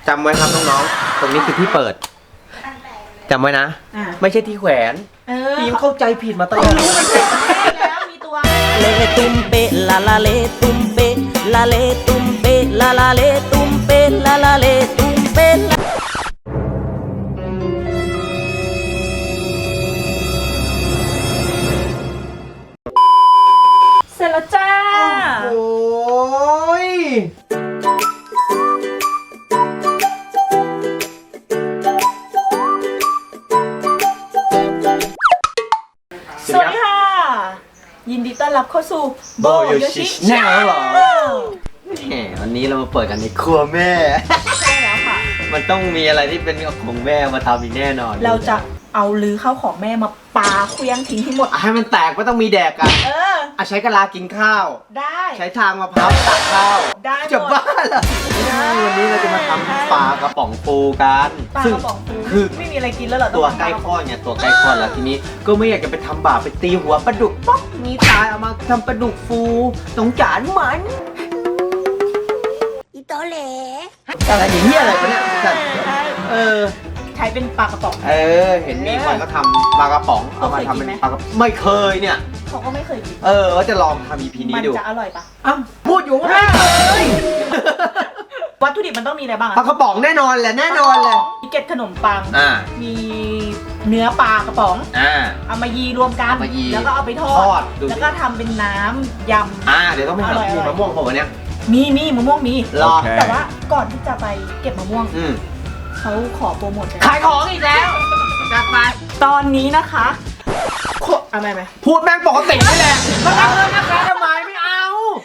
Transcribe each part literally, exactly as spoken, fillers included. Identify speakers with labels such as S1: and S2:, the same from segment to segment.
S1: จำไว้ครับน้องๆตรงนี้คือที่เปิดจำไว้นะไม่ใช่ที่แขวนพี่เข้าใจผิดมาตลอด
S2: แล้วมีตัว
S3: เลตุมเปลาลาเลตุมเปลาเลตุมเปลาลาเลตุมเปลาลาเลตุมเป
S2: เสร็จแล้วจ้า
S1: โอ้ย
S2: สวัสดีค่ะยินดีต้อนรับเข้าสู่โบโยชิ
S1: แน่แล้วเหรอแหมวันนี้เรามาเปิดกันในครัวแม่
S2: ใช่แล้วค่ะ
S1: มันต้องมีอะไรที่เป็นของแม่มาทำอีกแน่นอน
S2: เราจะเอาลือข้าวของแม่มาปาเคลี้ยงทิ้งให้หมด
S1: ให้มันแตกไม่ต้องมีแดกกัน
S2: เออ
S1: อ่ะใช้กะลากินข้าว
S2: ได้
S1: ใช้ทางมะพร้าวตักข้าว
S2: ได้
S1: จะบ้าเหรอวันนี้เราจะมาทำปลากระป๋องปูกัน
S2: ปลากระป๋องปูคือไม่มีอะไรกินแล้วเหรอ
S1: ตัวใกล้คลอดเนี่ยตัวใกล้คลอดแล้วทีนี้ก็ไม่อยากจะไปทำบาปไปตีหัวปลาดุกป๊อกมีตายเอามาทำปลาดุกฟูสงสารมัน
S2: อีโตเล่
S1: อะไรอย่างเงี้ยอะไรกันเนี่ยเออ
S2: ใช้เป็นปลากระป๋อง
S1: เออเห็นมีคนก็ทำปลากระป๋องเอามาทำเป็นปลากระป๋องไม่เคยเนี่ย
S2: เขาก็ไม่เคยกิน
S1: เออว่าจะลองทำ อี พี นี้ดู
S2: มันจะอร่อยปะ
S1: อ้าวพูดอยู่ว่าไม่เคย
S2: วัตถุดิบมันต้องมีอะไรบ้าง
S1: ปลากระป๋องแน่นอนแหละแน่นอนเลย
S2: มีเกล็ดขนมปัง
S1: อ่า
S2: มีเนื้อปลากระป๋อง
S1: อ่า
S2: เอามายีรวมกันแล้วก็เอาไปทอดแล้วก็ทำเป็นน้ำยำ
S1: อ่าเดี๋ยวต้องไปหามีมะม่วงผมวันนี้
S2: มีมีมะม่วงมี
S1: รอ
S2: แต่ว่าก่อนที่จะไปเก็บมะม่วง
S1: อืม
S2: เขาขอโปรโมท
S1: ขายของอีกแล้วจัดไป
S2: ตอนนี้นะคะโคอะไรไหม
S1: พูดแม่งปกตินี่แหละมาทำเงินนะคะทำไมไม่เอา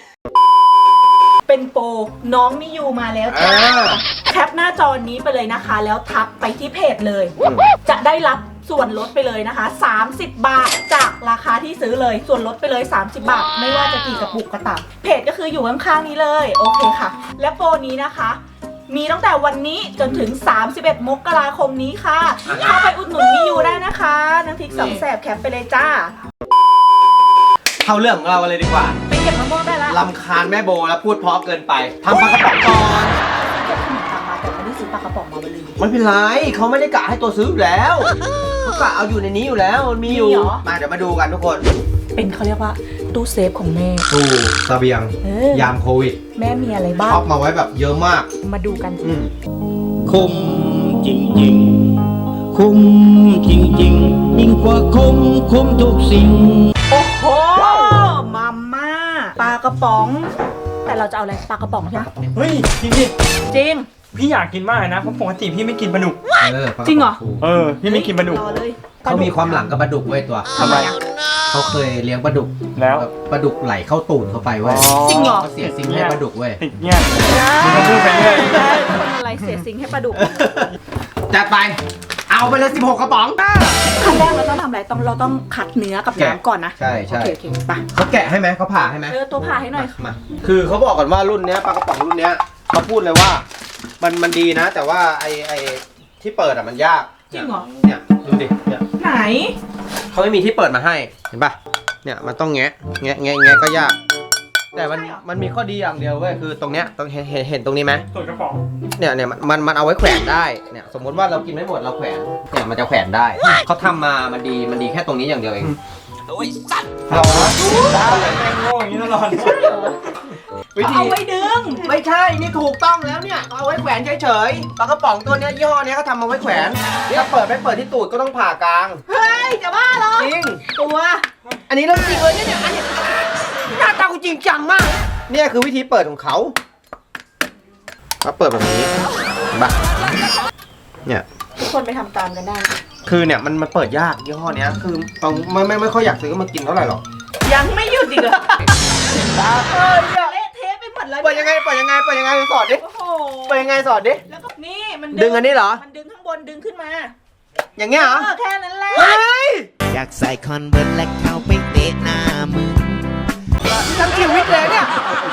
S2: เป็นโปรน้องมิยูมาแล้วจ้าแคปหน้าจอนี้ไปเลยนะคะแล้วทักไปที่เพจเลยจะได้รับส่วนลดไปเลยนะคะสามสิบบาทจากราคาที่ซื้อเลยส่วนลดไปเลยสามสิบบาทไม่ว่าจะกี่กระปุกก็ตามเพจก็คืออยู่ข้างๆนี้เลยโอเคค่ะและโปรนี้นะคะมีตั้งแต่วันนี้จนถึงสามสิบเอ็ดมกราคมนี้ค่ะเข้าไปอุดหนุนมิยูได้นะคะน้ำพริกสองแสบแคปไปเลยจ้า
S1: เข้าเรื่องของเราเลยดีกว่า
S2: ไปเก็บมะม่วงได้แล้ว
S1: ลำคาญแม่โบแล้วพูดเพราะเกินไปทำปลากระป๋องก่อน
S2: เก็บขนมปังมาแต่ไม่ได้ซื้อปลากระป๋องมาเลย
S1: ไม่เป็นไรเขาไม่ได้กะให้ตัวซื้ออยู่แล้วเขากะเอาอยู่ในนี้อยู่แล้วมันมีอยู่มาเดี๋ยวมาดูกันทุกคน
S2: เป็นเขาเรียกว่าตู้เซฟของแม่
S1: ตู้เสบียงยามโควิด
S2: แม่มีอะไรบ้าง
S1: เอามาไว้แบบเยอะมาก
S2: มาดูกัน
S3: คุ้มจริงๆคุ้มจริงๆยิ่งกว่าคุ้มคุ้มทุกสิ่ง
S2: โอ้โหมาม่าปลากระป๋องแต่เราจะเอาอะไรปลากระป๋องใช่ไหม
S4: เฮ้ยจริงดิ
S2: จริง
S4: พี่อยากกินมากนะเพราะปกติพี่ไม่กินปลาดุก
S2: จริงเหรอ
S4: เออพี่ไม่กินปลาดุก
S1: เขามีความหลังกับปลาดุกไว้ตัว
S2: ทำไม
S1: เขาเคยเลี้ยงปลาดุก
S4: แล้ว
S1: ปลาดุกไหลเข้าตูดเขาไปเว้ย
S2: จริงเหรอ
S1: เขาเสียซิงให้ปลาดุกเว้ย
S4: ติดเงี้ยมันพูดไปเรื่อย
S2: อะไรเสียซิงให้ปลาดุก
S1: จัดไปเอาไปเลยสิบหกกระป๋อง
S2: ขั้นแรกเราต้องทำอะไรต้องเราต้องคัดเนื้อกับน้ำก่อนนะ
S1: ใช่ใช่
S2: โอเคโอเคไป
S1: เขาแกะให้ไหมเขาผ่าให้ไหม
S2: เออตัวผ่าให้หน่อย
S1: มาคือเขาบอกก่อนว่ารุ่นเนี้ยปลากระป๋องรุ่นเนี้ยเขาพูดเลยว่ามันมันดีนะแต่ว่าไอไอที่เปิดอ่ะมันยาก
S2: จริงเหรอ
S1: เนี่ยดูดิเนี่ย
S2: ไหน
S1: เขาไม่มีที่เปิดมาให้เห็นป่ะเนี่ยมันต้องแงะแงะแงะแงะก็ยากแต่มันมันมีข้อดีอย่างเดียวเว้ยคือตรงเนี้ยต้องเห็นเห็นตรงนี้ไหม
S4: ส่วนกระป๋อง
S1: เนี่ยเนี่ยมันมันเอาไว้แขวนได้เนี่ยสมมติว่าเรากินไม่หมดเราแขวนเนี่ยมันจะแขวนได้เขาทำมามันดีมันดีแค่ตรงนี้อย่างเดียวเอง
S3: โอ้ยสัตว์
S1: เรา
S4: ได้แม่งโง่อย่างนี้ตลอด
S2: เอาไว้ดึง
S1: ไม่ใช่นี่ถูกต้องแล้วเนี่ยเอาไว้แขวนเฉยๆปลากระป๋องตัวเนี้ยยี่ห้อเนี้ยเขาทำมาไว้แขวนถ้าเปิดไม่เปิดที่ตูดก็ต้องผ่ากลาง
S2: เฮ้ยจะบ้าเหรอ
S1: จริง
S2: ตัว
S1: อันนี้เรื่องจริงเลยเนี่ยอันนี้หน้าตากูจริงจังมากเนี่ยคือวิธีเปิดของเขาเขาเปิดแบบนี้บ้าเนี่ย
S2: ทุกคนไปทำตามกันได้
S1: คือเนี่ยมันมันเปิดยากยี่ห้อเนี้ยคือเราไม่ไม่ไม่ค่อยอยากซื้อมากินเท่าไหร่หรอก
S2: ยังไม่หยุดอีกเหรอเออเละเทะไปหมดเลย
S1: เปิดยังไงเปิดยังไงเปิดยังไงสอนดิเปิดยังไงสอนดิ
S2: แล้วก็นี่มัน
S1: ดึงอันนี้เหรอ
S2: มันดึงข้างบนดึงขึ้นมา
S1: อย่างเงี้ยเหรอ
S2: แค่นั้นแหละ
S3: อยากใส่คอนเวิร์ตและเข้าไปเตะหน้ามึง
S1: ทั้งชีวิตเลยเนี่ย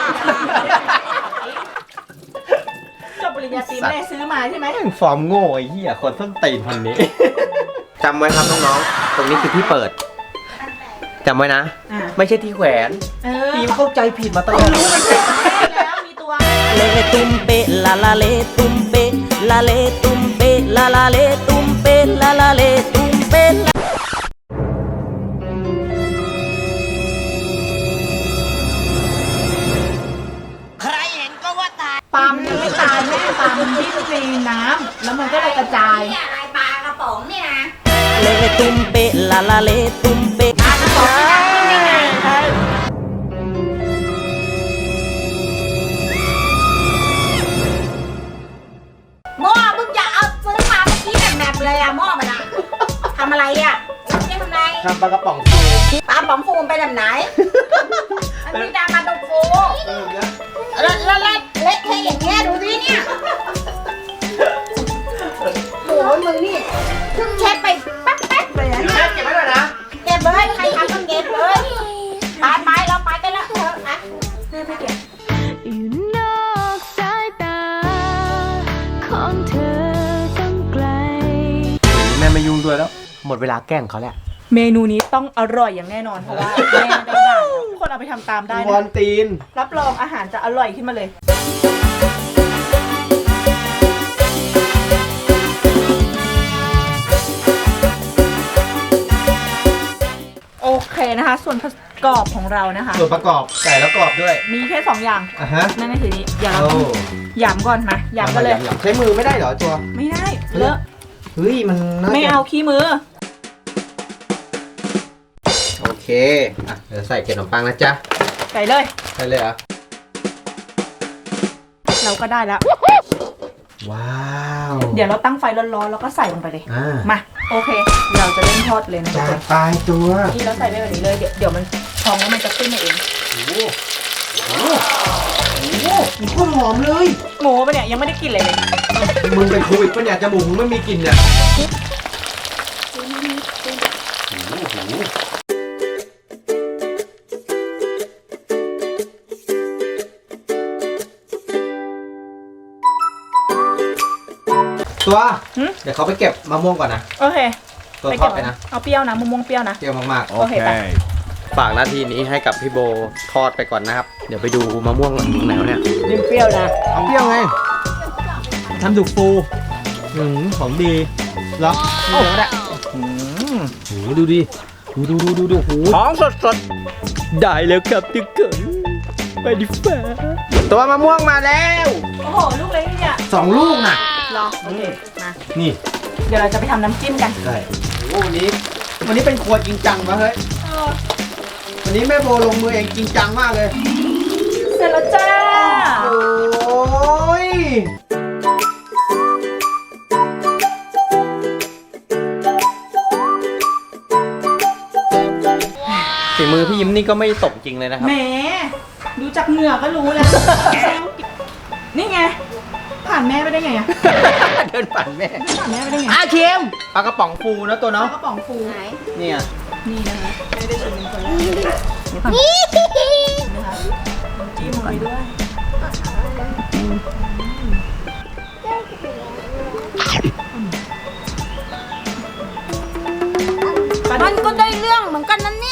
S2: จบปริญญาตรีแม่ซื้อมาใช่ไหม
S1: ฟอร์มโง่ไอ้เหี้ยคนส้นตีนคนนี้จำไว้ครับน้องๆตรงนี้คือที่เปิดจำไว้นะไม่ใช่ที่แขวนพี่เข้าใจผิดมาตลอด
S2: แล้วมีตัว
S3: เลตุมเปลาลาเลตุมเป
S5: la le tumpe la la le tumpe la la le tumpe la
S2: ปลามันยังไม่ตายแม่ปลามันดิ้นในน้ำแล้วมันก็เลยกระจาย
S6: ปลากระป๋องเนี่ยนะ
S5: le tumpe la la le tumpe
S6: ปลากระป๋องนี่นะกินได้ไงหม้อมึงอย่าเอาซื้อมาเมื่อกี้แหนบๆเลยอะหม้อมันอะทำอะไรอะนี่ทำอะไร
S1: ทำปลากระป๋องฟู
S6: ปลาป๋องฟูมันไปแบบไหนมันมีดามาตรงฟู
S1: เออเนี่ย
S6: แล้วแล้วแล้วเละเทะอย่างเงี้ยดูสิเนี่ยโอ้โหมึงนี่เพิ่งเช็ดไปแป๊บๆเลยนะ
S1: แม่เก็บไว้หน่อยนะ
S6: เก็บเลยใครทำต้องเก็บเลยไปไปเราไปกันแล้วเถอะอ่ะไม่เก็บ
S7: อยู่นอกสายตาของเธอต้องไกล
S1: แม่ไม่ยุ่งด้วยแล้ว หมดเวลาแกล้งเขาแล้ว
S2: เมนูนี้ต้องอร่อยอย่างแน่นอนเพราะว่าแม่ได้ด่าทุกคนเอาไปทำตามได้
S1: วอ
S2: นะ
S1: นตีน
S2: รับรองอาหารจะอร่อยขึ้นมาเลย โอเคนะคะ ส่วนประกอบของเรานะคะ
S1: ส่วนประกอบไก่แล้วกรอบด้วย
S2: มีแค่สองอย่าง
S1: อ่ะฮะ
S2: นั่นก็คือนี้เดี๋ยวเรา
S1: โอ้
S2: หยำก่อนมาหยำกันเลย
S1: หำๆใช้มือไม่ได้เหรอตัว
S2: ไม่ได้เลอะ
S1: เฮ้ยมันน่จะ
S2: ไม่เอาขี้มือ
S1: โอเคอ่ะเดี๋ยวใส่เกล็ดขนมปังนะจ๊ะ
S2: ใส่เลย
S1: ใส่เลยเหรอ
S2: เราก็ได้แล้ว
S1: ว้าว
S2: เดี๋ยวเราตั้งไฟร้อนๆแล้วก็ใส่ลงไปเลย
S1: อ่า
S2: มาโอเค เราจะเริ่มทอดเลยนะทุก
S1: จา
S2: คน
S1: นปลายตัว
S2: นี่เราใส่ไปแบบนี้เลยเดี๋ยวเดี๋ยวมันพองแล้วมันจะขึ้นมาเอง
S1: โอ้โหโอ้โหโอ้โหมันโคตรหอมเลย
S2: หมูปะเนี่ยยังไม่ได้กินเลยเลย
S1: มึงเป็นโควิดปะเนี่ยจมูกมึงไม่มีกลิ่นเนี่ยโอ้โหตัว
S2: หึ
S1: เดี๋ยวเขาไปเก็บมะม่วงก่อนนะ
S2: โอเค
S1: ตัวท
S2: เก็
S1: อบ ดไปนะ
S2: เอาเปรี้ยวนะมะม่วงเปรี้ยวนะ
S1: เปรี้ยวมากๆ
S2: โอเคไป
S1: ฝากหน้าที่นี้ให้กับพี่โบทอดไปก่อนนะครับ เดี๋ยวไปดูมะม่วงหลังอยู่ไหนวะเนี่ย
S3: นิ่มเปรี้ยวนะ
S1: เอาเปรี้ยวไง
S3: ทำดุกฟูอืมของดี
S1: เหรอนี่เดี๋ยวก็ได้
S3: อืมโหดูดิ ดูดูดูดูดูโหของสดสดๆได้แล้วครับทุกคนไปดิฟ้า
S1: ตัวมะม่วงมาแล้ว
S2: โอ้โหลูกเล็กนี่เนี่ย
S1: สองลูกน่ะ
S2: รอโอเคมา
S1: นี่
S2: เดี๋ยวเราจะไปทำน้ำจิ้มกัน
S1: ใช่โอ้วันนี้ วันนี้เป็นครัวจริงจังวะเฮ้ย
S2: เออ
S1: วันนี้แม่โบลงมือเองจริงจังมากเลย
S2: เสร็จแล้วจ้า
S1: โอ้ยฝีมือพี่ยิ้มนี่ก็ไม่ตกจริงเลยนะครับ
S2: แหมดูจากเหงื่อก็รู้แล้ว นี่ไงผ่านแม่ไปได้ไงอะ
S1: เดินปั่นแม่
S2: ผ่านแม่ไปได้ไง
S1: อาเค็มปลากระป๋องฟูนะตัว
S2: เอา
S1: เนาะ
S2: กระป๋องฟู
S1: เนี่ย
S2: นี่นะคะไม่ได้ชิมเป็นคนแรกนี่ก่อนนะคะน้ำจิ้มลงไปด้วย
S6: มันก็ได้เรื่องเหมือนกันนั่นเนี่ย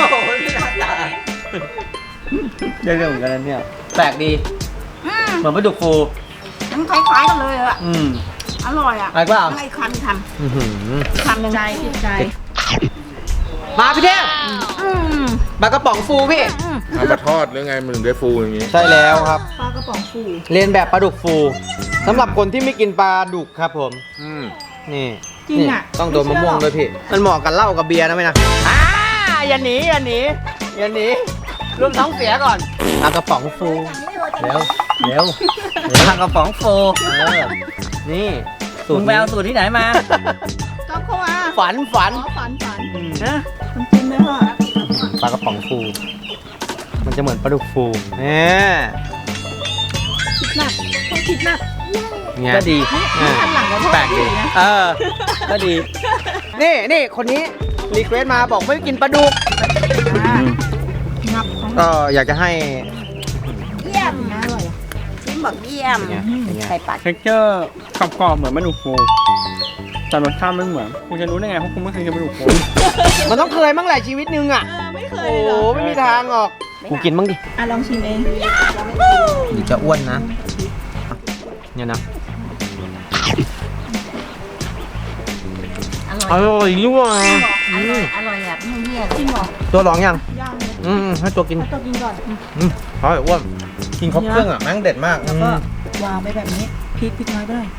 S1: ได้เรื่องเหมือนกันนะเนี่ยแปลกดี
S6: อืม
S1: เหมือนปลาดุกฟู
S6: มันคล้ายๆกันเลยอะ
S1: อืม
S6: อร่อยอะ
S1: อะไรเปล่า
S6: ไอ้คำค
S1: อื้อหือ
S6: ำคำหนึ่ง
S2: ใจผิดใจ
S1: มาพี่เทพ
S6: อืม
S1: ปลากระป๋องฟูพี่
S6: อืม
S8: เอามาทอดหรือไงมันถึงได้ฟูอย่างนี้
S1: ใช่แล้วครับ
S2: ปลากระป๋องฟู
S1: เรียนแบบปลาดุกฟูสำหรับคนที่ไม่กินปลาดุกครับผม
S8: อืม
S1: นี่
S2: จริงอะ
S1: นี่ต้องโดนมะม่วงด้วยพี่ มันเหมาะกับเหล้ากับเบียร์นะไหมนะอ่าอย่าหนีอย่าหนีอย่าหนีรวมท้องเสียก่อนปลากระป๋องฟูเร็วเร็วปลากระป๋องฟูเออนี่สูตร
S3: มึงไปเอาสูตรที่ไหนมา
S2: ก็เข้ามา
S1: ฝันฝัน
S2: อ๋อฝันฝัน
S1: นะ
S2: น้ำจิ้มด้วยค่ะ
S1: ปลากระป๋องฟู มันจะเหมือนปลาดุกฟูเนี่ย
S2: คิดหนักต้องคิดหนัก
S1: เนี่ย
S3: ก็ดี
S1: อ่า
S2: อันหลังก็โทษ
S1: แปลกดี
S2: นะ
S1: เออก็ดี นี่นี่คนนี้รีเควสมาบอกไม่กินปลาดุก
S2: อ่างับของ
S1: ก็อยากจะให้
S6: เยี่ยม
S2: น่าอร่อยอะ
S6: ชิมบอกเยี่ยม
S1: เนี่ยเป็นไง
S6: ใส่ปาก
S4: เท็กเจอร์กรอบๆเหมือนปลาดุกฟูแต่รสชาติไม่เหมือนคุณจะรู้ได้ไงเพราะคุณไม่เคยกินปลาดุกฟู
S1: มันต้องเคยมั้งแหละชีวิตนึงอ่ะ
S2: เออไม่เคย
S1: โอ้
S2: เลยเหร
S1: โห
S2: อ
S1: ไม่มีทางหรอกกูกินบ้างดิ
S2: อ่ะลองชิมเอง
S1: เดี๋ยวจะอ้วนนะ เนี่ยนะ
S6: อร่อย
S1: อร่อยด้วย
S6: อร่อยอร่อยแบบเงี้ยๆจริงเหรอ
S1: ตัวร้องยัง
S2: ย่างเลย
S1: อืมให้ตัวกิน
S2: ให้ตัวกินก่อน
S1: อืมอร่อยอ้วนกินครบเครื่องอ่ะแม่งเด็ดมาก
S2: แล้วก็วางไปแบบนี้พริกพริกน้อยไปหน่อย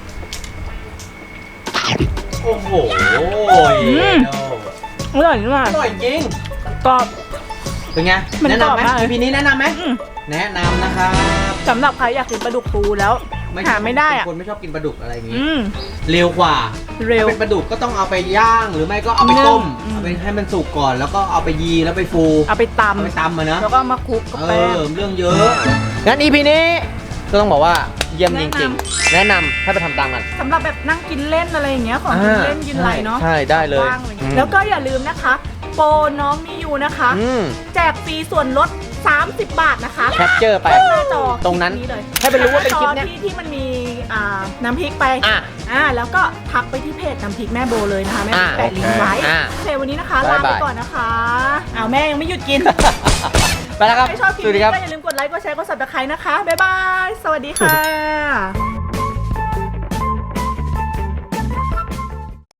S1: โอ้โห
S2: อร่อยมาก
S1: อร่อยจริง
S2: กรอบ
S1: เป็นไง
S2: มัน
S1: แนะ
S2: กรอบ
S1: นำไหม
S2: มากเลย
S1: อีพีนี้แนะนำไหม
S2: อืม
S1: แนะนำนะครับ
S2: สำหรับใครอยากกินปลาดุกฟูแล้วหาไม่ได้อ่ะ
S1: เป็นคนไม่ชอบกินปลาดุกอะไรอย่างงี้
S2: อืม
S1: เร็วกว่า
S2: เร็ว
S1: ถ้าเป็นปลาดุกก็ต้องเอาไปย่างหรือไม่ก็เอาไปต้ม
S2: นึ่ง
S1: เอาไปให้มันสุกก่อนแล้วก็เอาไปยีแล้วไปฟู
S2: เอาไปต
S1: เอาไปตำมาเนอะ
S2: ำแล้วก็เอามาคลุกกับ
S1: เอ
S2: แป้ง
S1: อเรื่องเยอะงั้นอีพีนี้ก็ต้องบอกว่าเยี่ยมจริงๆแนะนำให้ไปทำตามกัน
S2: สำหรับแบบนั่งกินเล่นอะไรอย่างเงี้ยของกินเล่นกินอะไรเนาะ
S1: ใช่ได้เลย
S2: ว่างอะไรอย่าง
S1: อื
S2: เงี้
S1: ม
S2: ยแล้วก็อย่าลืมนะคะ โปรน้องมิยูนะคะ
S1: อืม
S2: แจกฟรีส่วนลดสามสิบบาทนะคะ
S1: แคปเจอร์ไป
S2: หน้าจอ
S1: ตรงนั้น
S2: คลิปเลย
S1: ให้ไปรู้ว่าเป็นคลิปเนี้ย
S2: หาจอที่ที่มันมีอ่าน้ำพริกไป
S1: อ่ะ
S2: อ่าแล้วก็ทักไปที่เพจน้ำพริกแม่โบเลยนะคะแม่
S1: อ่ะ
S2: แปะลิงก์ไว้
S1: อ่ะ
S2: โอเควันนี้นะคะ
S1: บ๊า
S2: ลาย ไป
S1: บาย
S2: ก่อนนะคะอ้าวแม่ยังไม่หยุดกิน
S1: ไปแล้วครับ
S2: ถ้าชอบคลิป
S1: สวัสดี
S2: นี้
S1: ครับ
S2: ก็อย่าลืมกดไลค์กดแชร์กด ซับสไครบ์นะคะบ๊ายบายสวัสดีค่ะ